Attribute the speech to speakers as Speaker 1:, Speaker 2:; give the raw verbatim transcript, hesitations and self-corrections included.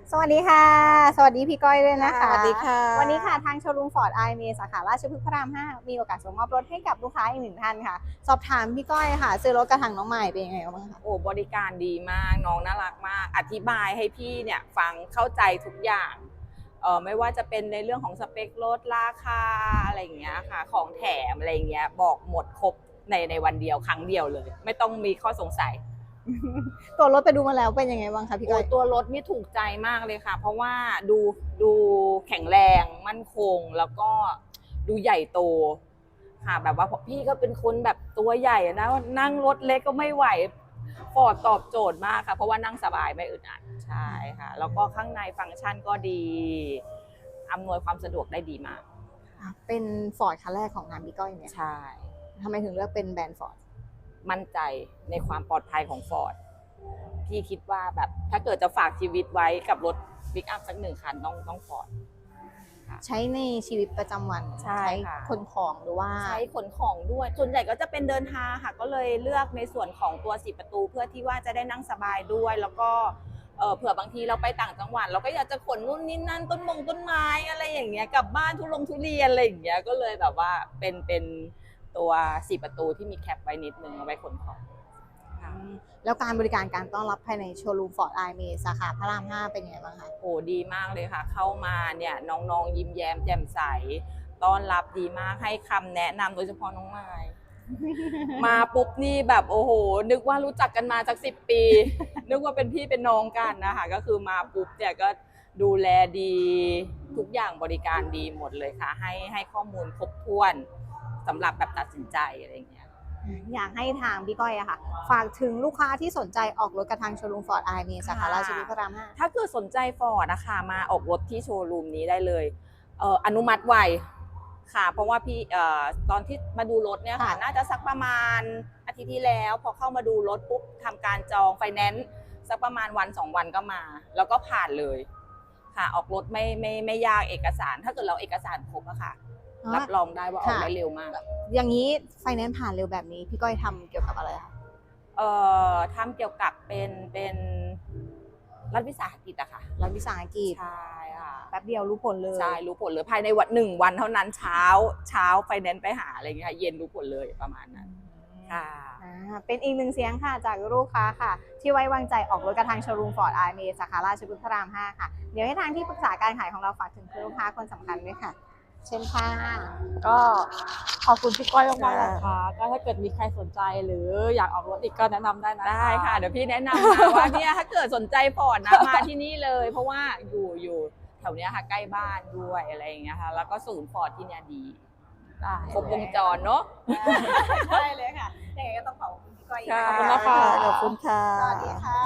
Speaker 1: สวัสดีค่ะสวัสดีพี่ก้อยด้วยนะคะ
Speaker 2: สวัสดีค่ะ
Speaker 1: วันนี้ค่ะทางโชว์รูมฟอร์ดไอเมสาขาราชพฤกษ์พระรามห้ามีโอกาสส่งมอบรถให้กับลูกค้าอีกหนึ่งท่านค่ะสอบถามพี่ก้อยค่ะซื้อรถกระถางน้องใหม่เป็นยังไงบ้างคะ
Speaker 2: โอ้บริการดีมากน้องน่ารักมากอธิบายให้พี่เนี่ยฟังเข้าใจทุกอย่างเออไม่ว่าจะเป็นในเรื่องของสเปครถราคาอะไรอย่างเงี้ยค่ะของแถมอะไรอย่างเงี้ยบอกหมดครบในในวันเดียวครั้งเดียวเลย ไม่ต้องมีข้อสงสัย
Speaker 1: ตัวรถไปดูมาแล้วเป็นยังไงบ้างคะพี่ก้
Speaker 2: โอ้
Speaker 1: อย
Speaker 2: ตัวรถนี่ถูกใจมากเลยค่ะ เพราะว่าดูดูแข็งแรงมั่นคงแล้วก็ดูใหญ่โตค่ะแบบว่าพี่ก็เป็นคนแบบตัวใหญ่นะนั่งรถเล็กก็ไม่ไหวฟอร์ดตอบโจทย์มากค่ะเพราะว่านั่งสบายไม่อึดอัดใช่ค่ะแล้วก็ข้างในฟังก์ชันก็ดีอำนวยความสะดวกได้ดีมาก
Speaker 1: เป็นฟอร์ดคันแรกของงานพี่ก้อยเนี่ย
Speaker 2: ใช่
Speaker 1: ทำไมถึงเลือกเป็นแบรนด์ฟอร์ด
Speaker 2: มั่นใจในความปลอดภัยของฟอร์ดพี่คิดว่าแบบถ้าเกิดจะฝากชีวิตไว้กับรถปิกอัพสักหนึ่งคันต้องต้องฟอร์ด
Speaker 1: ใช้ในชีวิตประจำวัน
Speaker 2: ใช่ค่ะ
Speaker 1: ขนของหรือว่า
Speaker 2: ใช้ขนของด้วยส่วนใหญ่ก็จะเป็นเดินทางค่ะก็เลยเลือกในส่วนของตัวสี่ประตูเพื่อที่ว่าจะได้นั่งสบายด้วยแล้วก็เออเผื่อบางทีเราไปต่างจังหวัดเราก็อยากจะขนนู่นนี่นั่นต้นมงต้นไม้อะไรอย่างเงี้ยกลับบ้านทุลงทุเรียนอะไรอย่างเงี้ยก็เลยแบบว่าเป็นเป็นตัวสี่ประตูที่มีแคปไว้นิดนึงเอาไว้ขนของ
Speaker 1: แล้วการบริการการต้อนรับภายในโชว์รูมฟอร์ดไอเมสาขาพระรามห้าเป็นยังไงบ้างคะ
Speaker 2: โอ้ดีมากเลยค่ะเข้ามาเนี่ยน้องๆยิ้มแย้มแจ่มใสต้อนรับดีมากให้คำแนะนำโดยเฉพาะน้องไม้มาปุ๊บนี่แบบโอ้โหนึกว่ารู้จักกันมาจากสิบปีนึกว่าเป็นพี่เป็นน้องกันนะคะก็คือมาปุ๊บเนี่ยก็ดูแลดีทุกอย่างบริการดีหมดเลยค่ะให้ให้ข้อมูลครบถ้วนสำหรับแบบตัดสินใจอะไรอย่างเงี้ย
Speaker 1: อยากให้ทางพี่ก้อยอะค่ะฝากถึงลูกค้าที่สนใจออกรถกระทางโชว์รูมฟอร์ดไอเมสาขาราชพฤกษ์พระรามห้า
Speaker 2: ถ้าเกิดสนใจฟอร์ดนะคะมาออกรถที่โชว์รูมนี้ได้เลยเอ่ออนุมัติไวค่ะเพราะว่าพี่เอ่อตอนที่มาดูรถเนี่ยค่ะน่าจะสักประมาณอาทิตย์ที่แล้วพอเข้ามาดูรถปุ๊บทำการจองไฟแนนซ์สักประมาณวันสองวันก็มาแล้วก็ผ่านเลยค่ะออกรถไม่ไม่ไม่ยากเอกสารถ้าเกิดเราเอกสารครบอะค่ะรับรองได้ว่าออกได้เร็วมาก
Speaker 1: อย่างนี้ไฟแนนซ์ผ่านเร็วแบบนี้พี่ก้อยทำเกี่ยวกับอะไรคะ
Speaker 2: เอ่อทำเกี่ยวกับเป็นเป็นรัฐวิสาหกิจอะค่ะ
Speaker 1: รัฐวิสาหกิจ
Speaker 2: ใช่ค่ะ
Speaker 1: แป๊บเดียวรู้ผลเลย
Speaker 2: ใช่รู้ผลเลยภายในวันหนึ่งวันเท่านั้นเช้าเช้าไฟแนนซ์ไปหาอะไรเงี้ยเย็นรู้ผลเลยประมาณนั้นค่ะ
Speaker 1: เป็นอีกหนึ่งเสียงค่ะจากลูกค้าค่ะที่ไว้วางใจออกรถกระทางโชว์รูมฟอร์ดไอเมสาขาราชพฤกษ์พระรามห้าค่ะเดี๋ยวให้ทางที่ปรึกษาการขายของเราฝากถึงลูกค้าคนสำคัญด้วยค่ะเช่นค่ะ
Speaker 3: ก็ขอบคุณพี่ก้อยมากๆนะคะก็ถ้าเกิดมีใครสนใจหรืออยากออกรถอีกก็แนะนำได้นะ
Speaker 2: ได้ค่ะเดี๋ยวพี่แนะนำนะว่าเนี่ยถ้าเกิดสนใจฟอร์ดนะมาที่นี่เลยเพราะว่าอยู่อยู่แถวเนี้ยค่ะใกล้บ้านด้วยอะไรอย่างเงี้ยค่ะแล้วก็ศูนย์ฟอร์ดที่เนี่ยดีครบวงจรเนาะ
Speaker 1: ใช่เลยค่ะยังไงก็ต้องขอบคุณพี่ก้อย
Speaker 3: ขอบคุณนะคะ
Speaker 1: ขอบคุณค่ะสวัสดีค่ะ